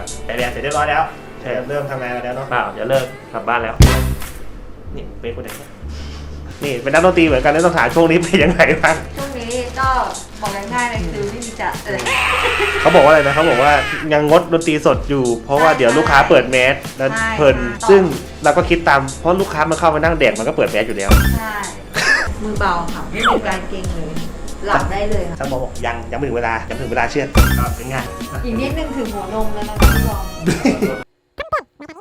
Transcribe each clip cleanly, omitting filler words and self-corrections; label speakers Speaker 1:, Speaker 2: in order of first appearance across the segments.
Speaker 1: แต่เรียนเสร็จเรียบร้อยแล้วเริ่มทำงานแล้วเนาะ
Speaker 2: เปล่าจะเลิกกลับบ้านแล้ว
Speaker 1: นี่เป็นคนไหนนี่เป็นนักดนตรีเหมือนกันแล้วต้องถามช่วงนี้เป็นยังไงบ้าง
Speaker 3: ช่วงนี้ก็บอกง่ายๆเลยคือไม่มีจะ
Speaker 1: เขาบอกว่าอะไรนะเขาบอกว่ายังงดดนตรีสดอยู่เพราะว่าเดี๋ยวลูกค้าเปิดแมสแล้วเพลินซึ่งเราก็คิดตามเพราะลูกค้ามันเข้ามานั่งแดกมันก็เปิดแมสอยู่แล้ว
Speaker 3: ใช่มือเบาค่ะไม่มีการเกร็งเลยหลับได้เลยค่ะ
Speaker 1: ถ้าบอกยังไม่ถึงเวลาเชื่อเป็นไง
Speaker 3: อีกนิดนึงถึงหัวนมแล้วนะพี่บอม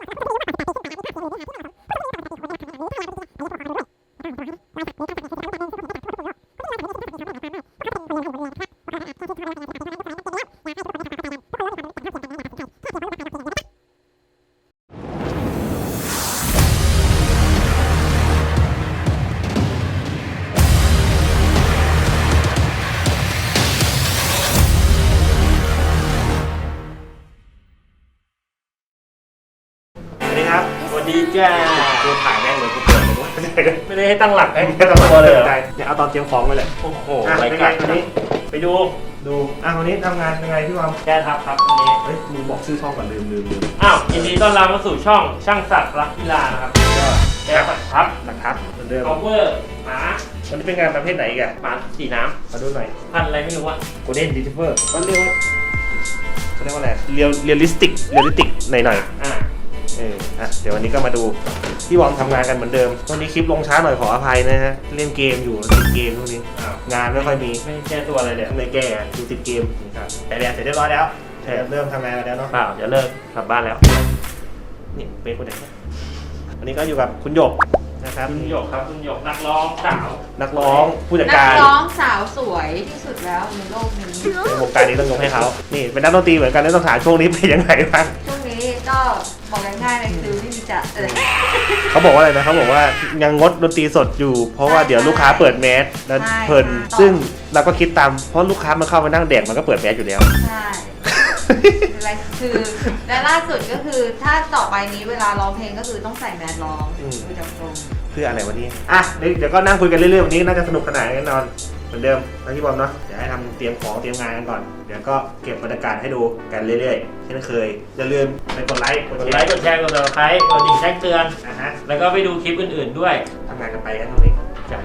Speaker 2: สวัสดีจ้า
Speaker 1: กูถ่ายแม่งเลยกูเปิดเลยว่า
Speaker 2: ไม่ได้ให้ตั้งหลักให้
Speaker 1: ไม่ต้องตัวเลยเนี่ยเอาตอนเตรียมของไปเลย
Speaker 2: โอ้โห
Speaker 1: รายการวันนี้
Speaker 2: ไปดู
Speaker 1: วันนี้ทำงานยังไงพี่วอม
Speaker 2: แก้ทับครับวันนี้
Speaker 1: เฮ้ยมึงบอกชื่อช่องก่อนลืม
Speaker 2: อ้าวยินดีต้อนรับเข้าสู่ช่องช่างศักดิ์รักกีฬานะครับแก้ทับ
Speaker 1: หลักทับเหมือนเดิม
Speaker 2: cover หมา
Speaker 1: วันนี้เป็นงานประเภทไหนอีกอะ
Speaker 2: หมาสีน้
Speaker 1: ำมาดูหน่อย
Speaker 2: พันอะไรไม่รู้อะ
Speaker 1: โกลเด้นรีทรีเวอร์ก็เรียกว่าอะไรเรียลลิสติกหน่อยเดี๋ยววันนี้ก็มาดูพี่วอมทำงานกันเหมือนเดิมวันนี้คลิปลงช้าหน่อยขออภัยนะฮะเล่นเกมอยู่ติดเกมพวกนี้งานไม่ค่อยมี
Speaker 2: ไม่แก้ตัวอะไรเลย
Speaker 1: ไม่แก้ดูติดเกมครับแต่เรียนเสร็จเรียบร้อยแล้วเริ่มทำงานแล้วเนาะ
Speaker 2: เปล่าจะเลิกกลับบ้านแล้ว
Speaker 1: นี่เป็นคนไหนวันนี้ก็อยู่กับคุณหยกนะครับ
Speaker 2: คุณหยกครับคุณหยกนักร้องสาว
Speaker 1: นักร้องผู้จัดการ
Speaker 3: นักร้องสาวสวยที่สุดแล้วในโลกนี้
Speaker 1: ในวงการนี้ต้องยกให้เขานี่เป็นนักดนตรีเหมือนกันแล้วต้องถามช่วงนี้เป็นยังไงบ้าง
Speaker 3: ช่วงนี้ก็บอกง่ายๆเลยคือไม่มีจะ
Speaker 1: เขาบอกว่าอะไรนะเขาบอกว่ายังงดดนตรีสดอยู่เพราะว่าเดี๋ยวลูกค้าเปิดแมสแล้วเพลินซึ่งเราก็คิดตามเพราะลูกค้ามันเข้ามานั่งแดกมันก็เปิดแมสอยู่แล้ว
Speaker 3: ใช่คือและล่าสุดก็คือถ้าต่อไปนี้เวลาร้องเพลงก็คือต้องใส่แมสร้องดูจากตรง
Speaker 1: เพื่ออะไรวันนี้เดี๋ยวก็นั่งคุยกันเรื่อยๆวันนี้น่าจะสนุกขนาดแน่นอนเหมือนเดิมนะพี่บอมเนาะเดี๋ยวให้ทำเตรียมของเตรียมงานกันก่อนเดี๋ยวก็เก็บบรรยากาศให้ดูกันเรื่อยๆเช่นเคยอย่าลืมไปกดไลค์
Speaker 2: กดแชร์กด Subscribe กดดิ่งแจ้งเตือนแล้วก็ไปดูคลิปอื่นๆด้วย
Speaker 1: ทำงานกันไปกันตรงนี้
Speaker 2: จ้ะ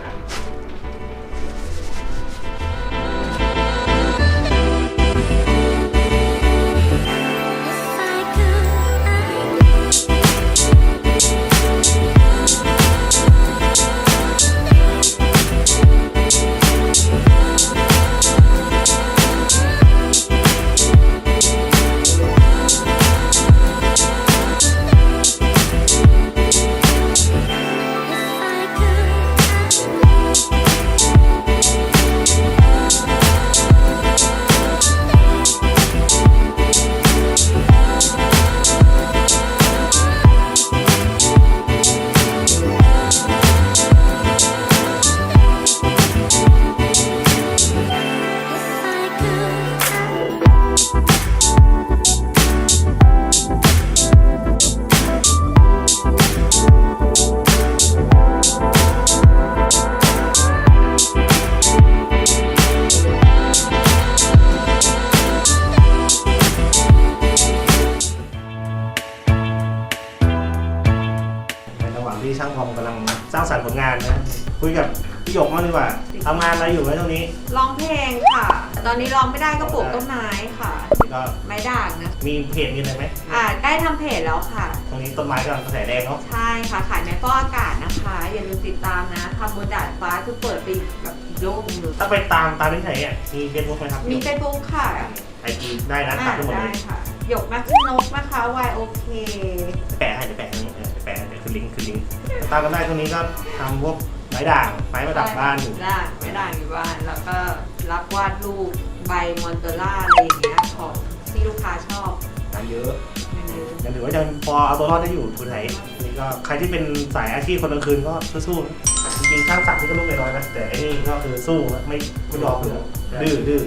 Speaker 1: ที่ช่างพอมกำลังสร้างสรรค์ผลงานนะคุยกับพี่หยกมากดีกว่าทำงานอะไรอยู่ไหมตรงนี้
Speaker 3: ร้องเพลงค่ะตอนนี้ร้องไม่ได้ก็ปลูกต้นไม้ค่ะ
Speaker 1: ก็
Speaker 3: ไม้ด่างนะ
Speaker 1: มีเพจมีอะไรไหม
Speaker 3: ได้ทำเพจแล้วค่ะ
Speaker 1: ตรงนี้ต้นไม้กำลังกระแสแดงเนาะ
Speaker 3: ใช่ค่ะขายไม้ฟอกอากาศนะคะอย่าลืมติดตามนะทำบนดาดฟ้าคือเปิดไปแบบโลกนึง
Speaker 1: ถ้าไปตามที่ไหนมีเฟซบุ๊กไหมครับ
Speaker 3: มีเฟซบุ๊กค่ะ
Speaker 1: IG ได้นะตัดทั้งหมดเลย
Speaker 3: ค่ะหยกนักนกนะคะ YOK
Speaker 1: แปะให้เดี๋ยวแปะคือลิงก์ตามกันได้ตรงนี้ก็ทำพวกไม้ด่างไม้ประดับบ้านอยู่
Speaker 3: ไม้ด่างอยู่บ้านแล้วก็รับวาดรูปใบมอนเตล่าอะไรอย่างเงี้ยของที่ลูกค้าชอบ
Speaker 1: เยอะยังถือว่ายังพอเอาตัวรอดได้อยู่ทุนไหนนี่ก็ใครที่เป็นสายอาชีพคนกลางคืนก็สู้ๆจริงๆช่างศักดิ์ที่ก็ลูกน้อยนะแต่ไอ้นี่ก็คือสู้ไม่ยอมดื้อ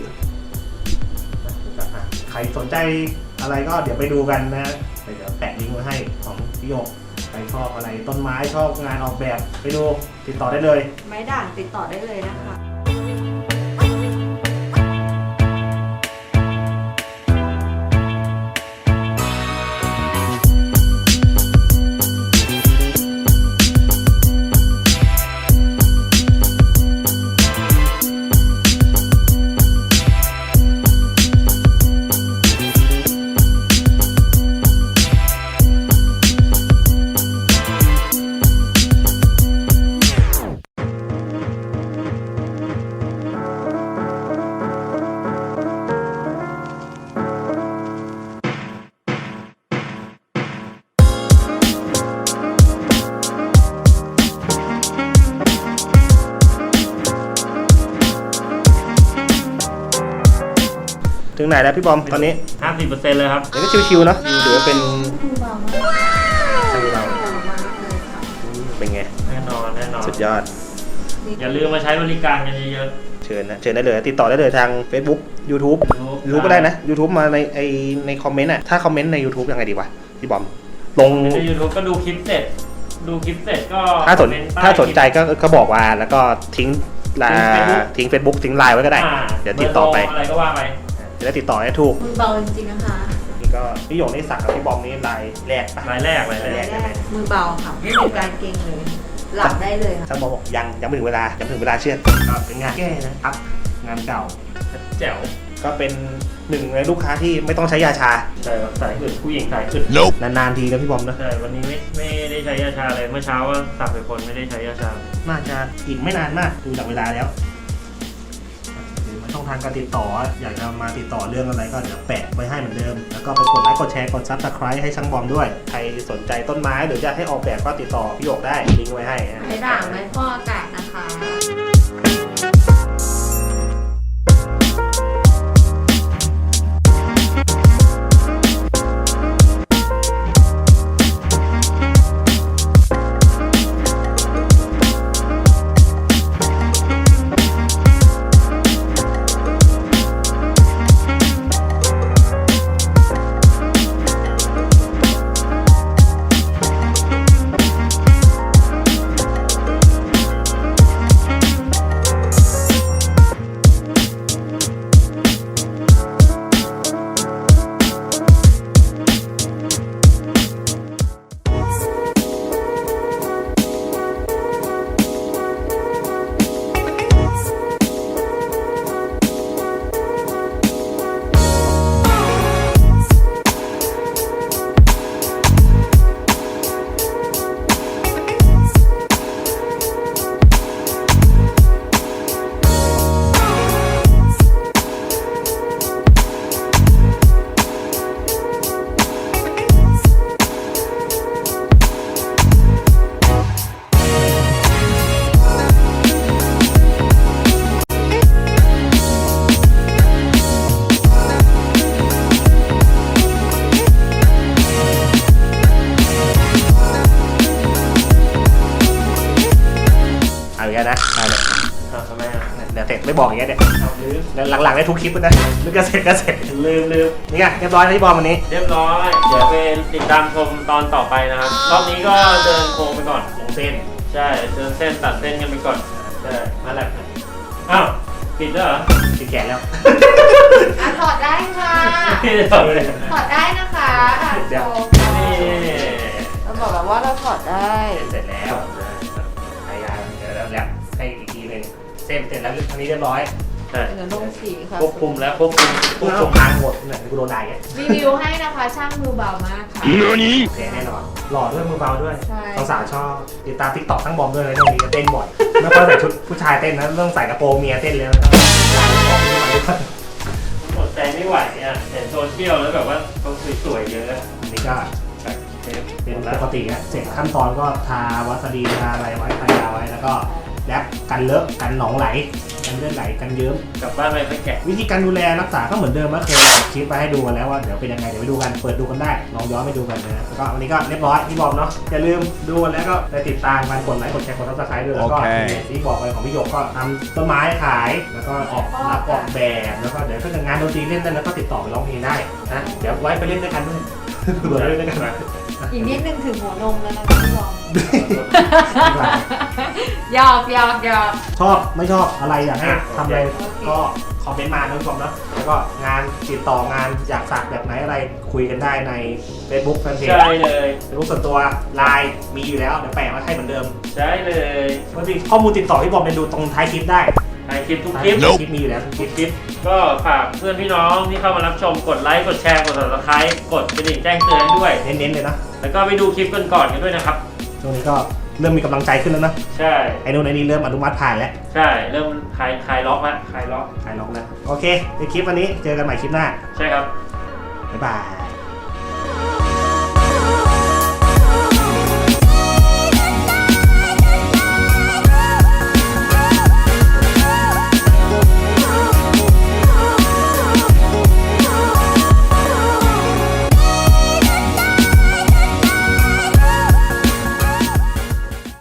Speaker 1: ใครสนใจอะไรก็เดี๋ยวไปดูกันนะเดี๋ยวแปะลิงก์ไว้ให้ของพี่โยกใครชอบอะไรต้นไม้ชอบงานออกแบบไปดูติดต่อได้เลย
Speaker 3: ไม้ด่างติดต่อได้เลยนะคะ
Speaker 1: ไหนแล้วพี่บอมตอนนี้
Speaker 2: 50%เลยครับ
Speaker 1: เดี๋ยวก็ชิวๆเนาะถือว่าเป็น
Speaker 3: มือเบามาก
Speaker 1: ช่างเรา
Speaker 3: เบามากเลยค่ะ
Speaker 1: เป็นไง
Speaker 2: แน่นอนแน่นอน
Speaker 1: สุดยอด
Speaker 2: อย่าลืมมาใช้บริการกันเยอะ
Speaker 1: เชิญนะเชิญได้เลยติดต่อได้เลยทาง Facebook YouTube
Speaker 2: ๆ
Speaker 1: รู้ก็ได้นะ YouTube มาในคอมเมนต์อ่ะถ้าคอมเมนต์ใน YouTube ยังไงดีวะพี่บอมลง
Speaker 2: ใน YouTube ก็ดูคลิปเสร็จก็
Speaker 1: ถ้าสน
Speaker 2: คอมเมต์ใต้
Speaker 1: ถ้าสนใจก็บอกว่าแล้วก็ทิ้ง
Speaker 2: ทิ้ง Facebook
Speaker 1: ทิ้ง Facebook ทิ้งไลน์ไว้ก็ได้
Speaker 2: อ่า
Speaker 1: เดี๋ยวติดต่อไป
Speaker 2: เบร์โทรอะไรก็ว่าไป
Speaker 1: จะได้ติดต่อได้ถูก
Speaker 3: มือเบาจริงๆนะคะ
Speaker 1: นี่ก็พี่หยงนี่สักกับพี่บอมนี่ลายแรกปะ
Speaker 2: รายแรก
Speaker 1: รายแรก
Speaker 3: มือเบาค่ะไม่มีการเกร็งเลย หลับได้เลยค่ะ
Speaker 1: ช่างบอมบอกยังไม่ถึงเวลาเชื่อดก็เป็นงานแก้นะครับ งานเก่า
Speaker 2: แจ๋ว
Speaker 1: ก็เป็นหนึ่งในลูกค้าที่ไม่ต้องใช้ยาชา
Speaker 2: ใช่ครับสายอื่นผู้หญิงสายอื่น
Speaker 1: นานๆทีนะพี่บอมนะ
Speaker 2: ใช่วันนี้ไม่ได้ใช้ยาชาเลยเมื่อเช้าว่าสับไปคนไม่ได้ใช้ยาชา
Speaker 1: น่าจะอีกไม่นานมากดูจากเวลาแล้วหรือมันช่องทางการติดต่ออยากจะมาติดต่อเรื่องอะไรก็เดี๋ยวแปะไว้ให้เหมือนเดิม แล้วก็ไปกดไลค์กดแชร์กด Subscribe ให้ช่างบอมด้วย ใครสนใจต้นไม้หรือจะให้ออกแบบก็ติดต่อพี่หยกได้ลิงก์ไว้ให้นะ
Speaker 3: ใช้ด่างไม้ฟอกอากาศนะคะ
Speaker 1: เอาอย่างนี้นะเอาเลย
Speaker 2: ทำไมอ่ะ
Speaker 1: เดี๋ยวเสร็จไม่บอกอย่างเงี้ยเนี่ย
Speaker 2: เอาลืม
Speaker 1: หลังๆได้ทุกคลิปเลยนะนึกก็เสร็จ
Speaker 2: ลืม
Speaker 1: นี่ไงเรียบร้อยแล้วพี่บอมวันนี้
Speaker 2: เรียบร้อยเดี๋ยวไปติดตามชมตอนต่อไปนะครับรอบนี้ก็เดินโค้งไปก่อน
Speaker 1: ลงเส้น
Speaker 2: ใช่เดินเส้นตัดเส้นกันไปก่อนใช่มาแล้วอ้าวปิดแล้วเหรอ
Speaker 1: ติดแกะแล้ว
Speaker 3: อ่ะถอดได้ค่ะ
Speaker 2: ไม่ได้ถอดเลย
Speaker 3: ถอดได้นะคะอ่ะ
Speaker 1: เดี๋ยว
Speaker 3: โชว์
Speaker 2: นี่
Speaker 3: เราบอกแบบว่าเราถอดได้
Speaker 1: เสร็จแล้วพยายามเดี๋ยวแล้วให้อีกทีหนึ่งเส้นเสร็จแล้วอันนี้เรียบร้อย
Speaker 2: ใช่
Speaker 3: เดี๋ยวลงสีค่ะ
Speaker 2: ควบคุมแล้วควบคุม
Speaker 1: พวกส่งทางหมดเนี่ยกูโดนด่าแก
Speaker 3: รีวิวให้นะคะช่างมือเบามากค่ะ
Speaker 1: โอเคแน่นอนหล่อด้วยมือเบาด้วย
Speaker 3: ใช่
Speaker 1: สาวๆชอบติดตามทิกตอกทั้งบอมด้วยนะช่วงนี้เต้นบ่อยไม่ค่อยใส่ชุดผู้ชายเต้นนะเรื่องใส่กระโปรงเมียเต้นเลยนะร้านของนี่มันด้วย
Speaker 2: อดใจไม่ไหวอ่ะเห็นโซเชียลแล้วแบบว่าเขาสวยๆเยอะ
Speaker 1: อันนี้ก็เป็นปกตินะเสร็จขั้นตอนก็ทาวาสลีนทาอะไรไว้ทายาไว้แล้วก็แรปกันเลอะกันหนองไหลกันเลือดไหลกันเยิ้ม
Speaker 2: กลับบ้านไปไปแกะ
Speaker 1: วิธีการดูแลรักษาก็เหมือนเดิมนะเคยอัดคลิปไปให้ดูกันแล้วว่าเดี๋ยวเป็นยังไงเดี๋ยวไปดูกันเปิดดูกันได้ลองย้อนไปดูกันนะแล้วก็วันนี้ก็เรียบร้อยที่บอกเนาะอย่าลืมดูกันแล้วก็ได้ติดตามกันกดไลค์กดแชร์กดซับสไครต์ด้วยแล้วก็ที่บอกไปของพี่หยกก็ทำต้นไม้ขายแล้วก็ออกแบบแล้วก็เดี๋ยวถ้าเกิดงานดนตรีเล่นได้แล้วก็ติดต่อไปร้องเพลงได้นะเดี๋ยวไว้ไปเล่นด้วยกันด้วยเผื่อเล่นด้วยกันนะ
Speaker 3: อีกนิดนึงถึงหัวนมแล้วนะคะพี่บอมหยอก
Speaker 1: ชอบไม่ชอบอะไรอยากให้ทำอะไรก็คอมเมนต์มานะทุกคนนะแล้วก็งานติดต่องานอยากสักแบบไหนอะไรคุยกันได้ใน Facebook แฟนเพจ
Speaker 2: ใช่เลย
Speaker 1: Facebook ส่วนตัวไลน์มีอยู่แล้วเดี๋ยวแปะมาให้เหมือนเดิม
Speaker 2: ใช่เลย
Speaker 1: ปกติข้อมูลติดต่อพี่บอมเนี่ยดูตรงท้ายคลิปได้
Speaker 2: ถ่ายคลิปทุก
Speaker 1: ท้าย
Speaker 2: คลิป
Speaker 1: คลิปมีอยู่แล้วทุกคลิป
Speaker 2: คลิปก็ฝากเพื่อนพี่น้องที่เข้ามารับชมกดไลค์กดแชร์กด subscribe กดกระดิ่งแจ้งเตือนให้ด้วย
Speaker 1: เน้นๆเลยนะ
Speaker 2: แล้วก็ไปดูคลิปกันก่อนกันด้วยนะครับ
Speaker 1: ช่วงนี้ก็เริ่มมีกำลังใจขึ้นแล้วนะ
Speaker 2: ใช่
Speaker 1: ไอ้นู่นไอ้นี่เริ่มอนุมัติผ่านแล้ว
Speaker 2: ใช่เริ่มคลายล็อกแล้วคลายล็อก
Speaker 1: ขายล็อกแล้วโอเคในคลิปวันนี้เจอกันใหม่คลิปหน้า
Speaker 2: ใช่ครับ
Speaker 1: บ๊ายบาย